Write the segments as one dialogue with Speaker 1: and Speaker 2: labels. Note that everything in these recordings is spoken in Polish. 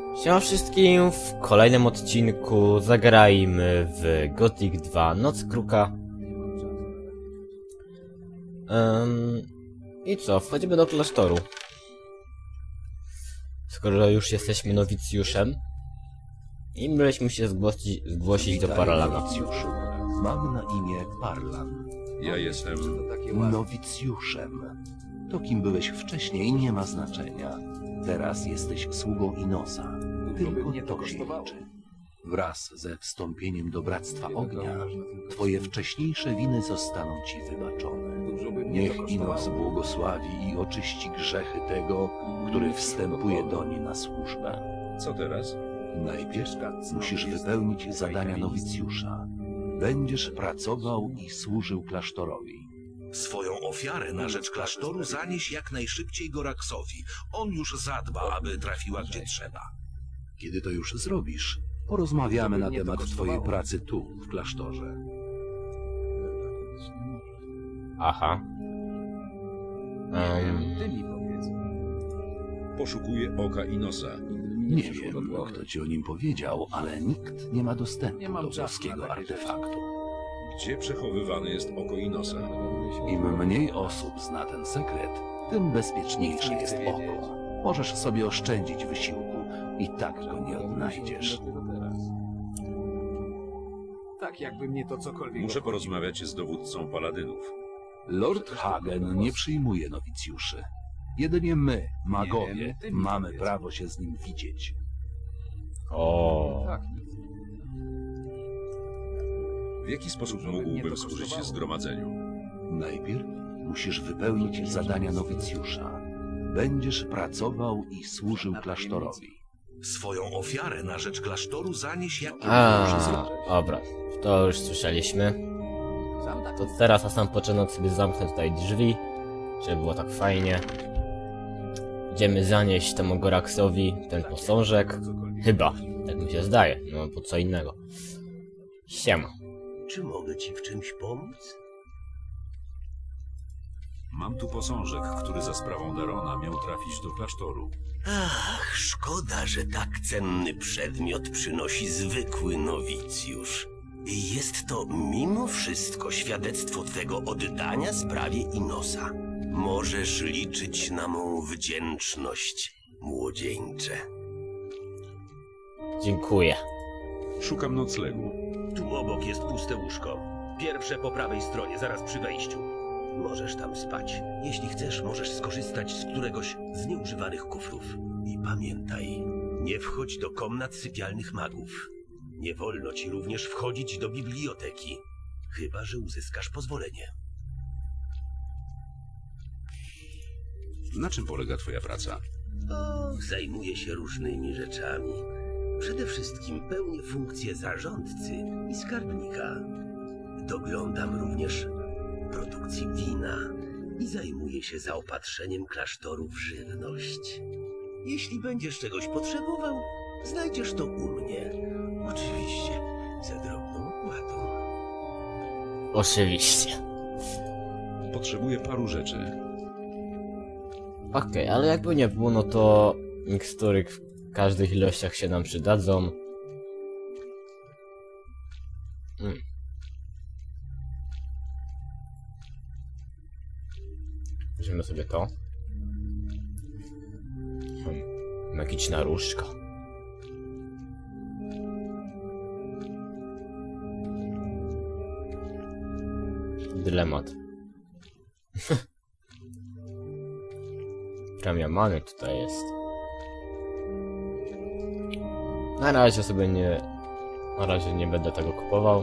Speaker 1: Siema wszystkim, w kolejnym odcinku zagrajmy w Gothic 2 Noc Kruka. I co, wchodzimy do klasztoru. Skoro już jesteśmy nowicjuszem. I myśmy się zgłosić do Paralana.
Speaker 2: Nowicjuszu. Mam na imię Parlan.
Speaker 3: Ja jestem...
Speaker 2: Nowicjuszem. To, kim byłeś wcześniej, nie ma znaczenia. Teraz jesteś sługą Inosa. Tylko to się liczy. Wraz ze wstąpieniem do Bractwa Ognia, twoje wcześniejsze winy zostaną ci wybaczone. Niech Inos błogosławi i oczyści grzechy tego, który wstępuje doń na służbę.
Speaker 3: Co teraz?
Speaker 2: Najpierw musisz wypełnić zadania nowicjusza. Będziesz pracował i służył klasztorowi.
Speaker 4: Swoją ofiarę na rzecz klasztoru zanieś jak najszybciej Goraksowi. On już zadba, aby trafiła gdzie trzeba.
Speaker 2: Kiedy to już zrobisz, porozmawiamy na temat twojej pracy tu, w klasztorze.
Speaker 1: Aha.
Speaker 3: Poszukuję oka Inosa.
Speaker 2: Nie wiem, kto ci o nim powiedział, ale nikt nie ma dostępu do boskiego artefaktu.
Speaker 3: Gdzie przechowywane jest oko Inosa?
Speaker 2: Im mniej osób zna ten sekret, tym bezpieczniejsze jest oko. Możesz sobie oszczędzić wysiłku i tak go nie odnajdziesz.
Speaker 5: Tak, jakby mnie to cokolwiek...
Speaker 3: Muszę porozmawiać z dowódcą paladynów.
Speaker 2: Lord Hagen nie przyjmuje nowicjuszy. Jedynie my, magowie, mamy prawo się z nim widzieć.
Speaker 1: O.
Speaker 5: Tak,
Speaker 3: W jaki sposób mógłbym służyć zgromadzeniu?
Speaker 2: Najpierw musisz wypełnić zadania nowicjusza. Będziesz pracował i służył klasztorowi.
Speaker 4: Swoją ofiarę na rzecz klasztoru zanieś jak...
Speaker 1: Dobra, to już słyszeliśmy. To teraz na sam początek sobie zamknę tutaj drzwi, żeby było tak fajnie. Idziemy zanieść temu Goraksowi ten posążek. Chyba, tak mi się zdaje, no bo co innego. Siema.
Speaker 4: Czy mogę ci w czymś pomóc?
Speaker 3: Mam tu posążek, który za sprawą Darona miał trafić do klasztoru.
Speaker 4: Ach, szkoda, że tak cenny przedmiot przynosi zwykły nowicjusz. Jest to mimo wszystko świadectwo twego oddania sprawie Inosa. Możesz liczyć na mą wdzięczność, młodzieńcze.
Speaker 1: Dziękuję.
Speaker 3: Szukam noclegu.
Speaker 4: Tu obok jest puste łóżko. Pierwsze po prawej stronie, zaraz przy wejściu. Możesz tam spać. Jeśli chcesz, możesz skorzystać z któregoś z nieużywanych kufrów. I pamiętaj, nie wchodź do komnat sypialnych magów. Nie wolno ci również wchodzić do biblioteki, chyba że uzyskasz pozwolenie.
Speaker 3: Na czym polega twoja praca?
Speaker 4: O, zajmuję się różnymi rzeczami. Przede wszystkim pełnię funkcję zarządcy i skarbnika. Doglądam również produkcji wina i zajmuję się zaopatrzeniem klasztoru w żywność. Jeśli będziesz czegoś potrzebował, znajdziesz to u mnie. Oczywiście, za drobną opłatą.
Speaker 1: Oczywiście.
Speaker 3: Potrzebuję paru rzeczy.
Speaker 1: Okej, ale jakby nie było, no to mikstury w każdych ilościach się nam przydadzą. Weźmiemy sobie to. Magiczna różdżka. Dylemat. Premia many tutaj jest. Na razie sobie nie... Na razie nie będę tego kupował.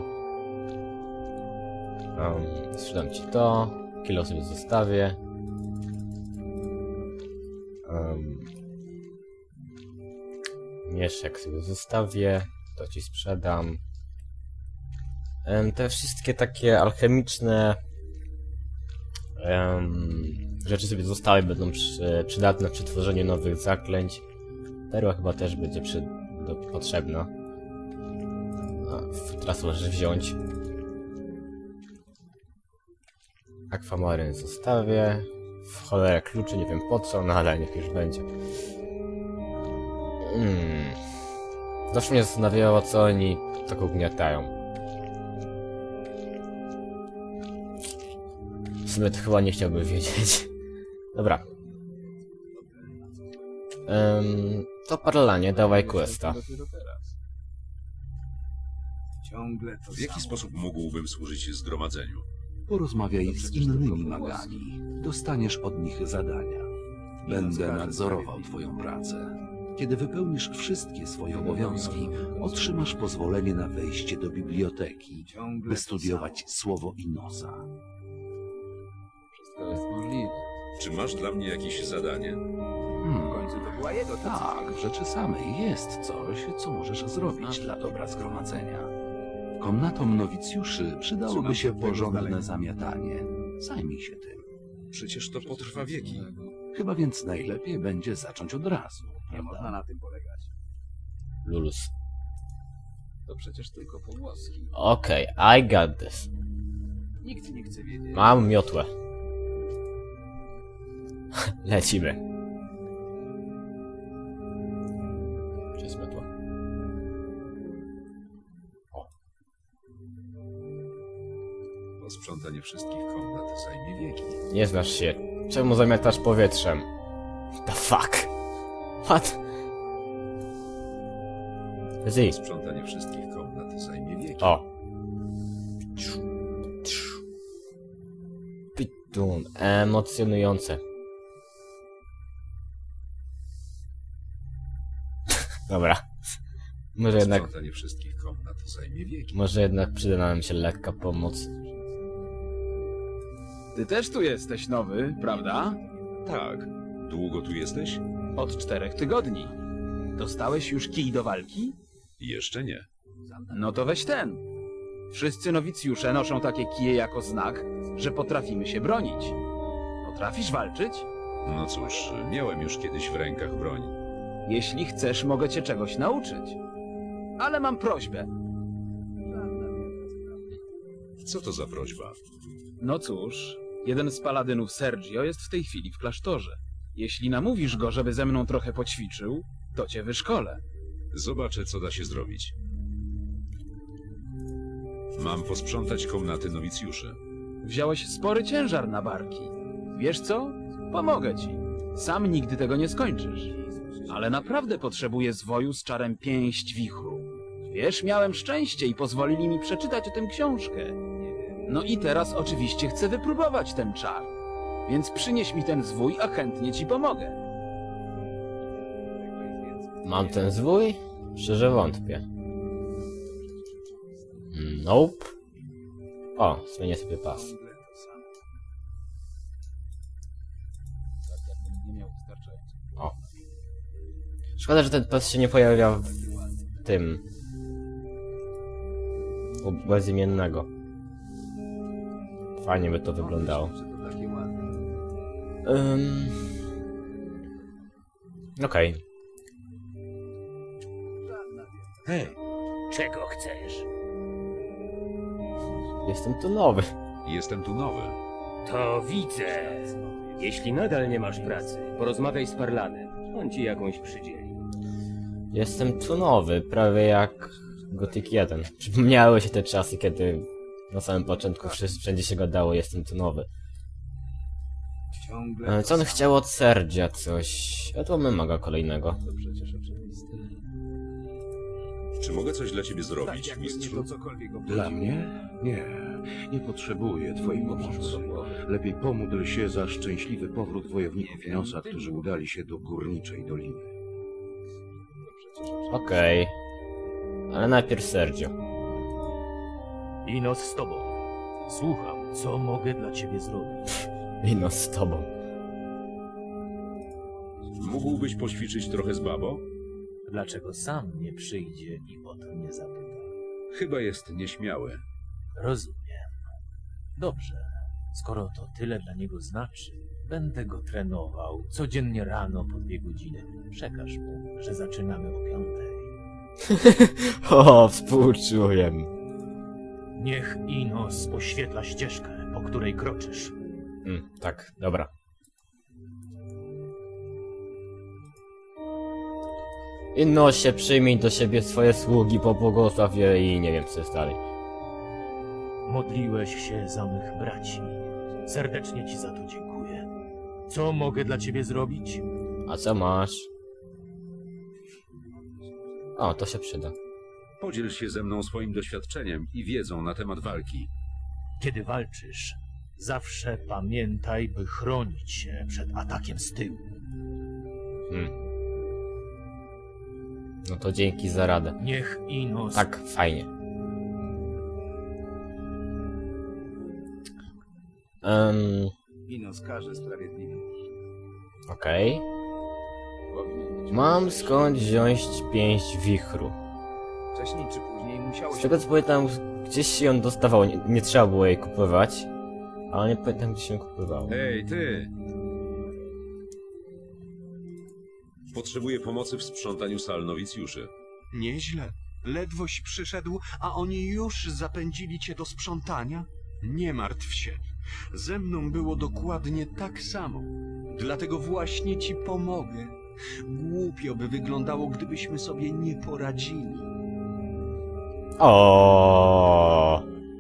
Speaker 1: Sprzedam ci to. Kilo sobie zostawię. Mieszek sobie zostawię. To ci sprzedam. Te wszystkie takie alchemiczne rzeczy sobie zostały, będą przydatne przy tworzeniu nowych zaklęć. Perła chyba też będzie potrzebna. Teraz możesz wziąć. Akwamaryn zostawię. W cholerę kluczy, nie wiem po co, no ale niech już będzie. Zawsze mnie zastanawiało, co oni tak ugniatają. W sumie to chyba nie chciałbym wiedzieć. Dobra. To parlanie, dawaj questa.
Speaker 5: Ciągle to
Speaker 3: W jaki sposób mógłbym służyć zgromadzeniu?
Speaker 2: Porozmawiaj z innymi magami. Dostaniesz od nich zadania. Będę nadzorował twoją pracę. Kiedy wypełnisz wszystkie swoje obowiązki, otrzymasz pozwolenie na wejście do biblioteki, by studiować słowo Inosa.
Speaker 5: wszystko jest możliwe.
Speaker 3: Czy masz dla mnie jakieś zadanie?
Speaker 5: W końcu to była jego decyzja.
Speaker 2: Tak, w rzeczy samej jest coś, co możesz zrobić dla dobra zgromadzenia. Komnatom nowicjuszy przydałoby się porządne zamiatanie. Zajmij się tym.
Speaker 3: Przecież to potrwa wieki.
Speaker 2: Chyba więc najlepiej będzie zacząć od razu,
Speaker 5: Nie można
Speaker 2: prawda?
Speaker 5: na tym polegać.
Speaker 1: Lulus.
Speaker 5: To przecież tylko pogłoski.
Speaker 1: Okej, I got this.
Speaker 5: Nikt nie chce wiedzieć.
Speaker 1: Mam miotłę. Lecimy. Gdzie jest miotła?
Speaker 3: Posprzątanie wszystkich komnat zajmie wieki.
Speaker 1: Nie znasz się. Czemu zamiatasz powietrzem? The fuck? What? Z.
Speaker 3: Posprzątanie wszystkich komnat zajmie wieki.
Speaker 1: O. Pitun. Emocjonujące. Dobra.
Speaker 3: Posprzątanie wszystkich komnat zajmie wieki.
Speaker 1: Może jednak przyda nam się lekka pomoc.
Speaker 5: Ty też tu jesteś nowy, prawda?
Speaker 3: Tak. Długo tu jesteś?
Speaker 5: Od 4 tygodni. Dostałeś już kij do walki?
Speaker 3: Jeszcze nie.
Speaker 5: No to weź ten. Wszyscy nowicjusze noszą takie kije jako znak, że potrafimy się bronić. Potrafisz walczyć?
Speaker 3: No cóż, miałem już kiedyś w rękach broń.
Speaker 5: Jeśli chcesz, mogę cię czegoś nauczyć. Ale mam prośbę.
Speaker 3: Co to za prośba?
Speaker 5: No cóż, jeden z paladynów Sergio jest w tej chwili w klasztorze. Jeśli namówisz go, żeby ze mną trochę poćwiczył, to cię wyszkolę.
Speaker 3: Zobaczę, co da się zrobić. Mam posprzątać komnaty nowicjuszy.
Speaker 5: Wziąłeś spory ciężar na barki. Wiesz co? Pomogę ci. Sam nigdy tego nie skończysz. Ale naprawdę potrzebuję zwoju z czarem pięść wichru. Wiesz, miałem szczęście i pozwolili mi przeczytać o tym książkę. No i teraz oczywiście chcę wypróbować ten czar. Więc przynieś mi ten zwój, a chętnie ci pomogę.
Speaker 1: Mam ten zwój? Szczerze wątpię. Nope. O, zmienię sobie pas. O. Szkoda, że ten pas się nie pojawia w tym. U bezimiennego. Fajnie by to wyglądało. Okej.
Speaker 4: Hej, czego chcesz?
Speaker 1: Jestem tu nowy.
Speaker 3: Jestem tu nowy.
Speaker 6: To widzę. Jeśli nadal nie masz pracy, porozmawiaj z Parlanem. On ci jakąś przydzieli.
Speaker 1: Jestem tu nowy, prawie jak Gothic 1. Przypomniały się te czasy, kiedy na samym początku wszędzie się gadało, jestem tu nowy. Co on chciał od Serdzia coś? A to my maga kolejnego.
Speaker 3: Czy mogę coś dla ciebie zrobić, mistrzu?
Speaker 2: Dla mnie? Nie, nie potrzebuję twojej pomocy. Lepiej pomódl się za szczęśliwy powrót wojowników Inosa, którzy udali się do Górniczej Doliny.
Speaker 1: Okej. Ale najpierw Sergio.
Speaker 6: Inos z tobą. Słucham, co mogę dla ciebie zrobić?
Speaker 1: Ino z tobą.
Speaker 3: Mógłbyś poćwiczyć trochę z babą?
Speaker 6: Dlaczego sam nie przyjdzie i o to nie zapyta?
Speaker 3: Chyba jest nieśmiały.
Speaker 6: Rozumiem. Dobrze. Skoro to tyle dla niego znaczy, będę go trenował codziennie rano po 2 godziny. Przekaż mu, że zaczynamy o 5.
Speaker 1: O, współczuję.
Speaker 6: Niech Inos oświetla ścieżkę, po której kroczysz.
Speaker 1: Tak, dobra. Inosie, przyjmij do siebie swoje sługi, pobłogosław je i nie wiem co jest dalej.
Speaker 6: Modliłeś się za mych braci. Serdecznie ci za to dziękuję. Co mogę dla ciebie zrobić?
Speaker 1: A co masz? O, to się przyda.
Speaker 3: Podziel się ze mną swoim doświadczeniem i wiedzą na temat walki.
Speaker 6: Kiedy walczysz, zawsze pamiętaj, by chronić się przed atakiem z tyłu.
Speaker 1: No to dzięki za radę.
Speaker 6: Niech Inos...
Speaker 1: Tak, fajnie.
Speaker 7: Inos każe sprawiedliwie.
Speaker 1: Okej. Mam skąd wziąć pięść wichru.
Speaker 7: Wcześniej czy później musiało
Speaker 1: Z
Speaker 7: się...
Speaker 1: tego co pamiętam, gdzieś się ją dostawało, nie trzeba było jej kupować. Ale nie pamiętam gdzie się ją kupowało.
Speaker 3: Hej, ty! Potrzebuję pomocy w sprzątaniu sal nowicjuszy.
Speaker 8: Nieźle. Ledwoś przyszedł, a oni już zapędzili cię do sprzątania? Nie martw się. Ze mną było dokładnie tak samo. Dlatego właśnie ci pomogę. Głupio by wyglądało, gdybyśmy sobie nie poradzili.
Speaker 1: O.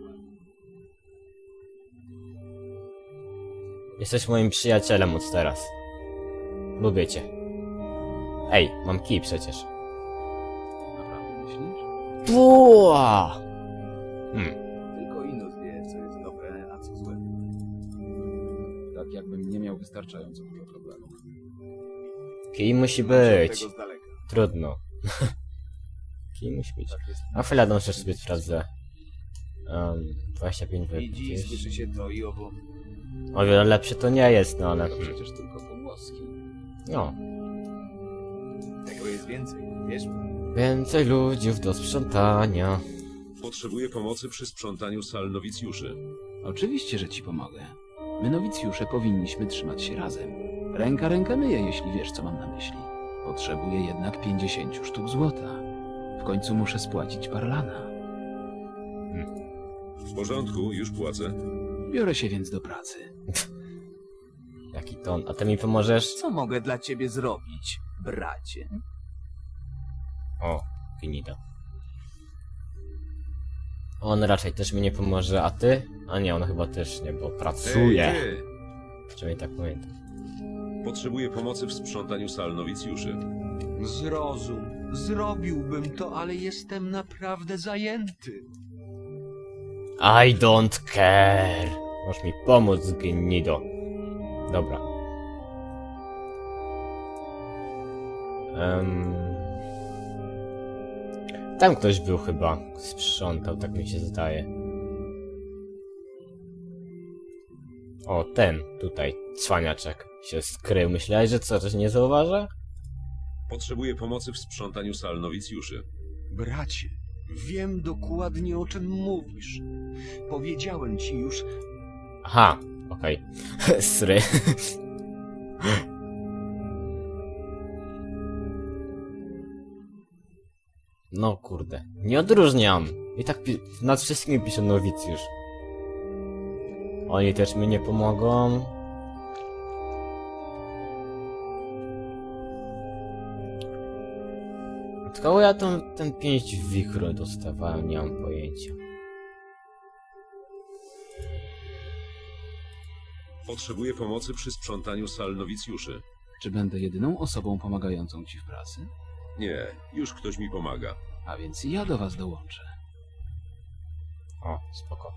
Speaker 1: Jesteś moim przyjacielem od teraz. Lubię cię. Ej, mam kij przecież.
Speaker 5: Naprawdę myślisz?
Speaker 1: Tua!
Speaker 7: Tylko Inos wie, co jest dobre, a co złe.
Speaker 5: Tak jakbym nie miał wystarczająco dużo problemów.
Speaker 1: Kij musi
Speaker 7: Trzymam się od
Speaker 1: być.
Speaker 7: tego z daleka.
Speaker 1: Trudno. Kij musi być.
Speaker 7: Tak jest.
Speaker 1: A chwilę dążę sobie sprawdzę. 25
Speaker 7: Widzi, słyszy
Speaker 1: gdzieś.
Speaker 7: się to i owo.
Speaker 1: O wiele lepsze to nie jest, no ale...
Speaker 5: To przecież tylko pogłoski.
Speaker 1: No.
Speaker 7: Tego jest więcej, wiesz?
Speaker 1: Więcej ludziów do sprzątania.
Speaker 3: Potrzebuję pomocy przy sprzątaniu sal nowicjuszy.
Speaker 5: Oczywiście, że ci pomogę. My nowicjusze powinniśmy trzymać się razem. Ręka rękę myje, jeśli wiesz, co mam na myśli. Potrzebuję jednak 50 sztuk złota. W końcu muszę spłacić Parlana.
Speaker 3: W porządku, już płacę.
Speaker 5: Biorę się więc do pracy.
Speaker 1: Jaki ton. A ty mi pomożesz?
Speaker 7: Co mogę dla ciebie zrobić, bracie?
Speaker 1: O, finito. On raczej też mi nie pomoże, a ty? A nie, on chyba też nie, bo pracuje.
Speaker 3: Hej, ty!
Speaker 1: Przynajmniej tak pamiętam.
Speaker 3: Potrzebuję pomocy w sprzątaniu sal nowicjuszy.
Speaker 8: Zrozum. Zrobiłbym to, ale jestem naprawdę zajęty.
Speaker 1: I don't care. Możesz mi pomóc, gnido. Dobra. Tam ktoś był chyba. Sprzątał, tak mi się zdaje. O, ten tutaj. Cwaniaczek się skrył. Myślałeś, że co, coś nie zauważa?
Speaker 3: Potrzebuję pomocy w sprzątaniu sal nowicjuszy.
Speaker 8: Bracie, wiem dokładnie, o czym mówisz. Powiedziałem ci już,
Speaker 1: Aha, okej. Sry. No kurde, nie odróżniam. I tak nad wszystkimi pisze nowicjusz. Oni też mi nie pomogą. Od kogo ja ten pięść wichru dostawałem, nie mam pojęcia.
Speaker 3: Potrzebuję pomocy przy sprzątaniu sal nowicjuszy.
Speaker 5: Czy będę jedyną osobą pomagającą ci w pracy?
Speaker 3: Nie, już ktoś mi pomaga.
Speaker 5: A więc ja do was dołączę.
Speaker 1: O, spoko.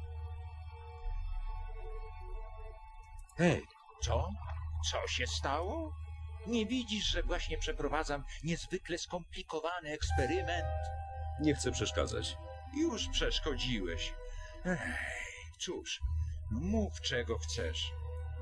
Speaker 9: Hej, co? Co się stało? Nie widzisz, że właśnie przeprowadzam niezwykle skomplikowany eksperyment?
Speaker 3: Nie chcę przeszkadzać.
Speaker 9: Już przeszkodziłeś. Ej, cóż, no mów czego chcesz.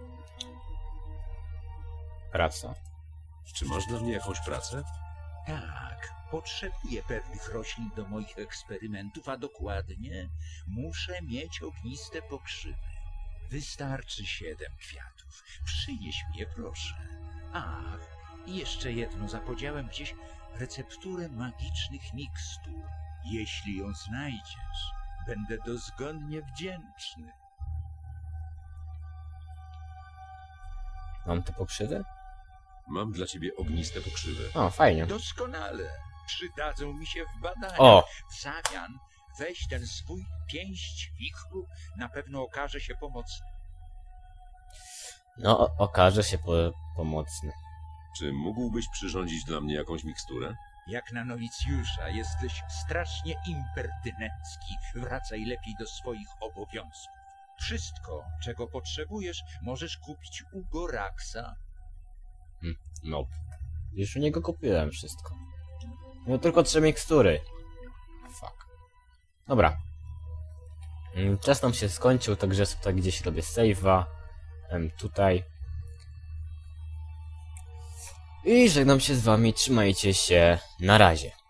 Speaker 1: Praca.
Speaker 3: Czy masz dla mnie jakąś pracę?
Speaker 9: Tak, potrzebuję pewnych roślin do moich eksperymentów, a dokładnie muszę mieć ogniste pokrzywy. Wystarczy 7 kwiatów. Przynieś mnie, proszę. Ach, i jeszcze jedno. Zapodziałem gdzieś recepturę magicznych mikstur. Jeśli ją znajdziesz, będę dozgonnie wdzięczny.
Speaker 1: Mam te pokrzywy?
Speaker 3: Mam dla ciebie ogniste pokrzywy.
Speaker 1: O, fajnie.
Speaker 9: Doskonale. Przydadzą mi się w badaniach.
Speaker 1: O!
Speaker 9: W zamian weź ten swój pięść wichru, na pewno okaże się pomocny.
Speaker 1: No, okaże się pomocny.
Speaker 3: Czy mógłbyś przyrządzić dla mnie jakąś miksturę?
Speaker 9: Jak na nowicjusza jesteś strasznie impertynencki. Wracaj lepiej do swoich obowiązków. Wszystko, czego potrzebujesz, możesz kupić u Goraksa.
Speaker 1: No. Już u niego kupiłem wszystko. No tylko 3 mikstury. Fuck. Dobra. Czas nam się skończył, także tutaj gdzieś robię save'a. Tutaj. I żegnam się z wami, trzymajcie się, na razie.